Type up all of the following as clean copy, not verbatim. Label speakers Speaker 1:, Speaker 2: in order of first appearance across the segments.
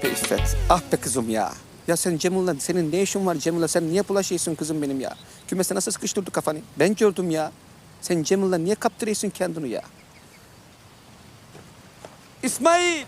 Speaker 1: be İffet, ah be kızım ya. Ya sen Cemil'le, senin ne işin var Cemil'le? Sen niye bulaşıyorsun kızım benim ya? Kümese nasıl sıkıştırdı kafanı? Ben gördüm ya. Sen Cemil'le niye kaptırıyorsun kendini ya? İsmail!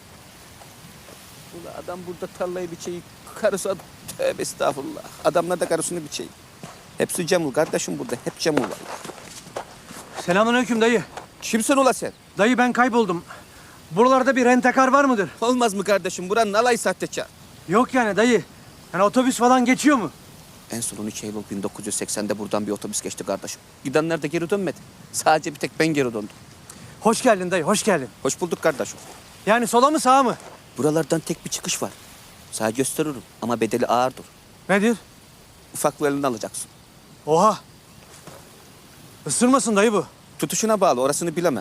Speaker 1: Ulan adam burada tarlayı biçeyim, karısı tövbe estağfurullah. Adamlar da karısını biçeyim. Hepsi Cemil kardeşim burada, hep Cemil var.
Speaker 2: Selamünaleyküm dayı.
Speaker 1: Kimsin ula sen?
Speaker 2: Dayı ben kayboldum. Buralarda bir rentekar var mıdır?
Speaker 1: Olmaz mı kardeşim? Buranın alay sahtekar.
Speaker 2: Yok yani dayı. Yani otobüs falan geçiyor mu?
Speaker 1: En son 13 Eylül 1980'de buradan bir otobüs geçti kardeşim. Gidenler de geri dönmedi. Sadece bir tek ben geri döndüm.
Speaker 2: Hoş geldin dayı, hoş geldin.
Speaker 1: Hoş bulduk kardeşim.
Speaker 2: Yani sola mı sağa mı?
Speaker 1: Buralardan tek bir çıkış var. Sana gösteririm ama bedeli ağırdır.
Speaker 2: Nedir?
Speaker 1: Ufaklarını alacaksın.
Speaker 2: Oha. Isırmasın dayı bu.
Speaker 1: Tutuşuna bağlı, orasını bilemem.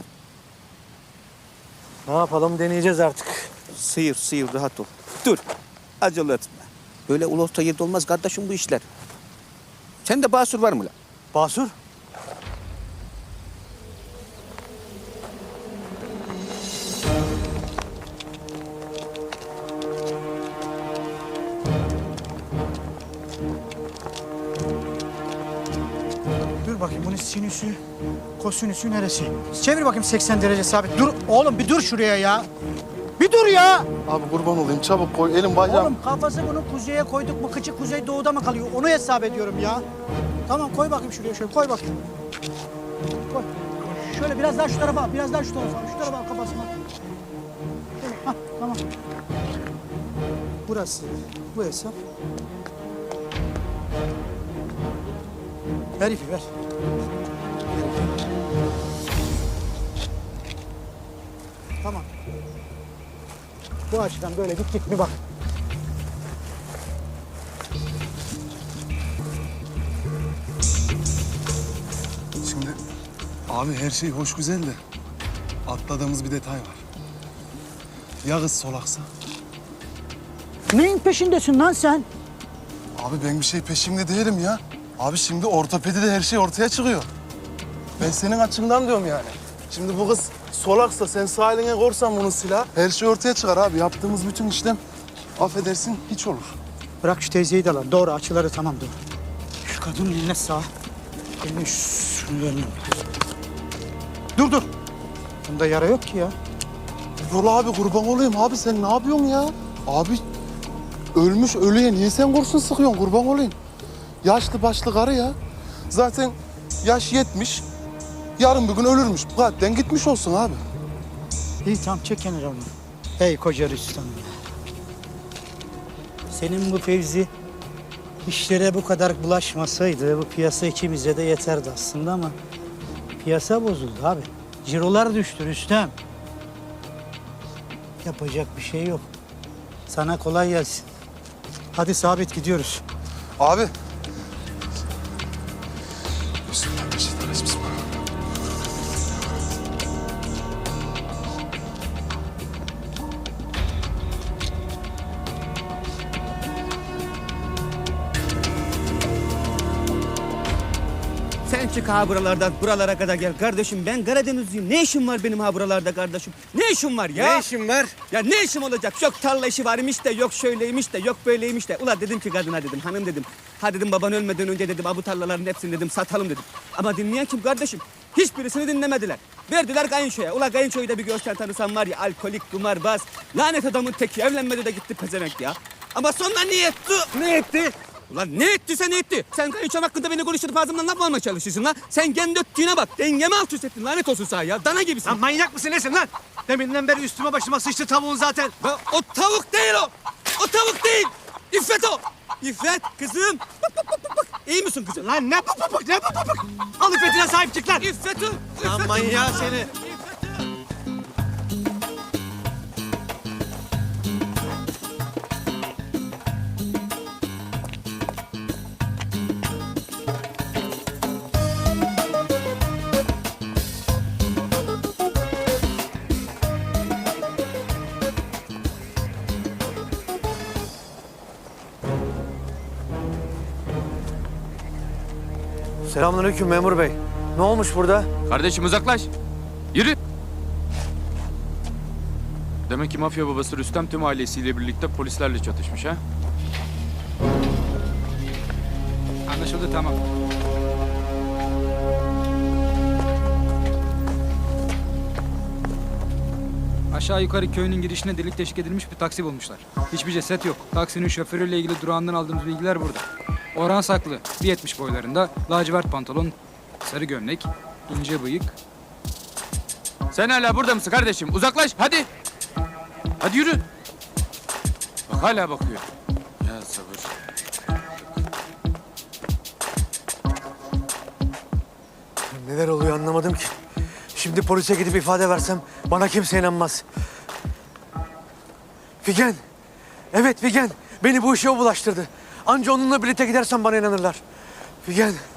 Speaker 2: Ne yapalım deneyeceğiz artık.
Speaker 1: Sıyır, sıyır, rahat ol. Dur, acele etme. Böyle ulu orta yerde olmaz kardeşim bu işler. Sende basur var mı lan?
Speaker 2: Basur?
Speaker 3: Dur bakayım bunun sinüsü, kosinüsü neresi? Çevir bakayım 80 derece sabit. Dur oğlum bir dur şuraya ya. Bir dur ya.
Speaker 4: Abi kurban olayım çabuk koy elim bacağım.
Speaker 3: Oğlum kafası bunu kuzeye koyduk mu kıçı kuzey doğuda mı kalıyor? Onu hesap ediyorum ya. Tamam koy bakayım şuraya şöyle koy bakayım. Koy. Şöyle biraz daha şu tarafa, biraz daha şu tarafa. Şu tarafa al kafasına. Şöyle, hah, tamam. Burası bu hesap. Ver ipi ver. Tamam. Bu açıdan böyle gittik mi bak.
Speaker 4: Şimdi abi her şey hoş güzel de atladığımız bir detay var. Ya kız solaksa?
Speaker 3: Neyin peşindesin lan sen?
Speaker 4: Abi ben bir şey peşimde değilim ya. Abi şimdi ortopedide her şey ortaya çıkıyor. Ben senin açından diyorum yani. Şimdi bu kız solaksa sen sağ eline korsan bunun silah her şey ortaya çıkar abi. Yaptığımız bütün işlem affedersin hiç olur.
Speaker 3: Bırak şu teyzeyi de lan. Doğru açıları tamam doğru. Şu kadının eline sağ. Eline şunu eline. Dur dur. Bunda yara yok ki ya.
Speaker 4: Dur abi kurban olayım abi sen ne yapıyorsun ya? Abi ölmüş ölüye niye sen kurşun sıkıyorsun kurban olayım? Yaşlı başlı karı ya. Zaten yaş 70. Yarın bir gün ölürmüş. Bu kalpten gitmiş olsun abi.
Speaker 3: İyi tamam çek kenara onu. Hey koca Rüstem. Senin bu Fevzi işlere bu kadar bulaşmasaydı bu piyasa ikimize de yeterdi aslında ama piyasa bozuldu abi. Cirolar düştü Rüstem. Yapacak bir şey yok. Sana kolay gelsin. Hadi sabit gidiyoruz.
Speaker 4: Abi. Bismillahirrahmanirrahim.
Speaker 1: Sen çık ha buralardan, buralara kadar gel. Kardeşim ben Karadenizliyim. Ne işim var benim ha buralarda kardeşim? Ne işim var ya?
Speaker 2: Ne işin var?
Speaker 1: Ya ne işim olacak? Yok tarla işi varmış da, yok şöyleymiş de, yok böyleymiş de. Ula dedim ki kadına dedim, hanım dedim. Ha dedim baban ölmeden önce dedim, bu tarlaların hepsini dedim satalım dedim. Ama dinleyen kim kardeşim? Hiçbirisini dinlemediler. Verdiler kayınçoya. Ula kayınçoyu da bir görsen tanısan var ya, alkolik, kumarbaz. Lanet adamın teki, evlenmedi de gitti pezevenk ya. Ama sonra niye etti?
Speaker 2: Ne etti?
Speaker 1: Ulan ne ettiyse ne etti? Sen kayınçom hakkında beni konuşturup ağzımdan laf mı almaya çalışıyorsun lan? Sen kendi öttüğüne bak. Dengemi alt üst ettin. Lanet olsun sana ya. Dana gibisin.
Speaker 2: Lan manyak mısın nesin lan? Deminden beri üstüme başıma sıçtı tavuğun zaten.
Speaker 1: Ya o tavuk değil o. O tavuk değil. İffet o. İffet kızım. Bak. İyi misin kızım?
Speaker 2: Lan ne papapık ne papapık? Al iffetine sahip çık lan.
Speaker 1: İffet o.
Speaker 2: Lan manyağı seni. Selamünaleyküm memur bey. Ne olmuş burada?
Speaker 5: Kardeşim uzaklaş. Yürü. Demek ki mafya babası Rüstem tüm ailesiyle birlikte polislerle çatışmış ha?
Speaker 6: Anlaşıldı, tamam. Aşağı yukarı köyünün girişine delik deşik edilmiş bir taksi bulmuşlar. Hiçbir ceset yok. Taksinin şoförüyle ilgili durağından aldığımız bilgiler burada. Orhan Saklı, 1.70 boylarında, lacivert pantolon, sarı gömlek, ince bıyık.
Speaker 5: Sen hala burada mısın kardeşim? Uzaklaş hadi. Hadi yürü. Bak hala bakıyor. Ya sabır.
Speaker 2: Neler oluyor anlamadım ki. Şimdi polise gidip ifade versem bana kimse inanmaz. Figen. Evet Figen. Beni bu işe o bulaştırdı. Anca onunla birlikte gidersem bana inanırlar. Figen.